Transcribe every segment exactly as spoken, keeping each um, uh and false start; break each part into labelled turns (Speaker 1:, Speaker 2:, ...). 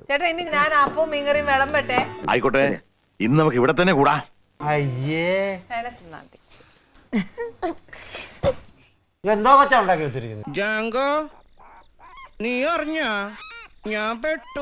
Speaker 1: ചേട്ടാ ഇനി ഞാൻ അപ്പവും മീൻകറിയും വിളമ്പട്ടെ.
Speaker 2: ആയിക്കോട്ടെ, ഇന്ന് നമുക്ക് ഇവിടെ തന്നെ കൂടാ.
Speaker 3: അയ്യേ
Speaker 1: തിന്നാതി.
Speaker 3: എന്തോ കൊച്ചാ ഉണ്ടാക്കി വെച്ചിരിക്കുന്നത്.
Speaker 4: ജാങ്കോ നീ അറിഞ്ഞ ഞാൻ പെട്ടു.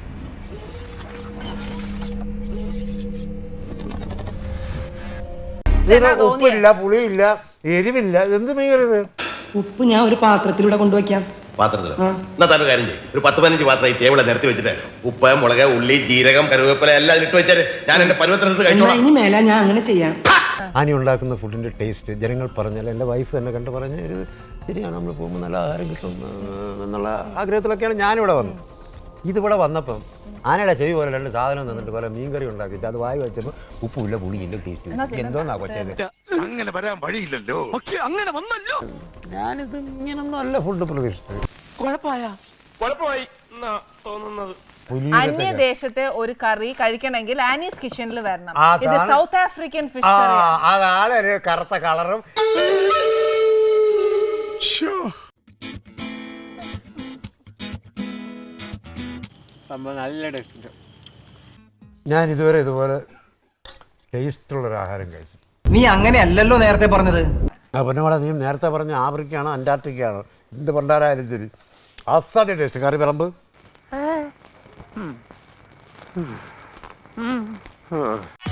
Speaker 3: ഉപ്പില്ല, പുളിയില്ല, എരിവില്ല. എന്ത് മീൻകറി?
Speaker 5: ഉപ്പ് ഞാൻ ഒരു പാത്രത്തിലൂടെ കൊണ്ടുവയ്ക്കാം.
Speaker 6: പാത്രത്തില് എന്നാ തന്നെ കാര്യം ചെയ്യും. ഒരു പത്ത് പതിനഞ്ച് പാത്രം ഈ ടേബിളെ നിരത്തി വെച്ചിട്ട് ഉപ്പ്, മുളക്, ഉള്ളി, ജീരകം, കറിവേപ്പില എല്ലാം ഇട്ട് വെച്ചാല് ഞാൻ എന്റെ പരുവത്തിനടുത്ത് കഴിച്ചോളാം.
Speaker 5: ഇനി മേല ഞാൻ അങ്ങനെ ചെയ്യാം.
Speaker 3: ആനി ഉണ്ടാക്കുന്ന ഫുഡിന്റെ ടേസ്റ്റ് ജനങ്ങൾ പറഞ്ഞാൽ എൻ്റെ വൈഫ് തന്നെ കണ്ടു പറഞ്ഞ ഒരു ശരിയാണ്, നമ്മൾ പോകുമ്പോൾ നല്ല ആഹാരം കിട്ടും എന്നുള്ള ആഗ്രഹത്തിലൊക്കെയാണ് ഞാനിവിടെ വന്നത്. ഇതിവിടെ വന്നപ്പം ആനയുടെ ചെവി പോലെ രണ്ട് സാധനം തന്നിട്ട് പോലെ മീൻകറി ഉണ്ടാക്കിയിട്ട് അത് വായി വെച്ചപ്പോൾ ഉപ്പുമില്ല, പുളിയില്ല, ടേസ്റ്റ് എന്തോന്നാ കൊച്ചത്.
Speaker 2: അങ്ങനെ വരാൻ വഴിയില്ലല്ലോ. പക്ഷെ അങ്ങനെ വന്നല്ലോ.
Speaker 3: ഞാനിത് ഇങ്ങനൊന്നും അല്ല ഫുഡ് പ്രതീക്ഷിച്ചത്.
Speaker 4: കുഴപ്പമായി തോന്നുന്നത്.
Speaker 1: അന്യദേശത്തെ ഒരു കറി കഴിക്കണമെങ്കിൽ ആനീസ് കിച്ചണിൽ വരണം.
Speaker 3: അതാണ്.
Speaker 1: ഇത് സൗത്ത് ആഫ്രിക്കൻ ഫിഷ്
Speaker 3: ആ
Speaker 1: കറി.
Speaker 3: അതാണ് ഒരു കറുത്ത കളറും.
Speaker 7: നല്ല ടേസ്റ്റ്.
Speaker 3: ഞാൻ ഇതുവരെ ഇതുപോലെ ടേസ്റ്റുള്ളൊരു ആഹാരം കഴിച്ചു.
Speaker 5: നീ അങ്ങനെയല്ലല്ലോ നേരത്തെ പറഞ്ഞത്.
Speaker 3: ആ പൊന്നോടെ, നീ നേരത്തെ പറഞ്ഞ ആഫ്രിക്കയാണോ അന്റാർട്ടിക്കയാണോ എന്ത് പണ്ടാരായാലും ശരി അസാധ്യ ടേസ്റ്റ്. കറി വിളമ്പ്.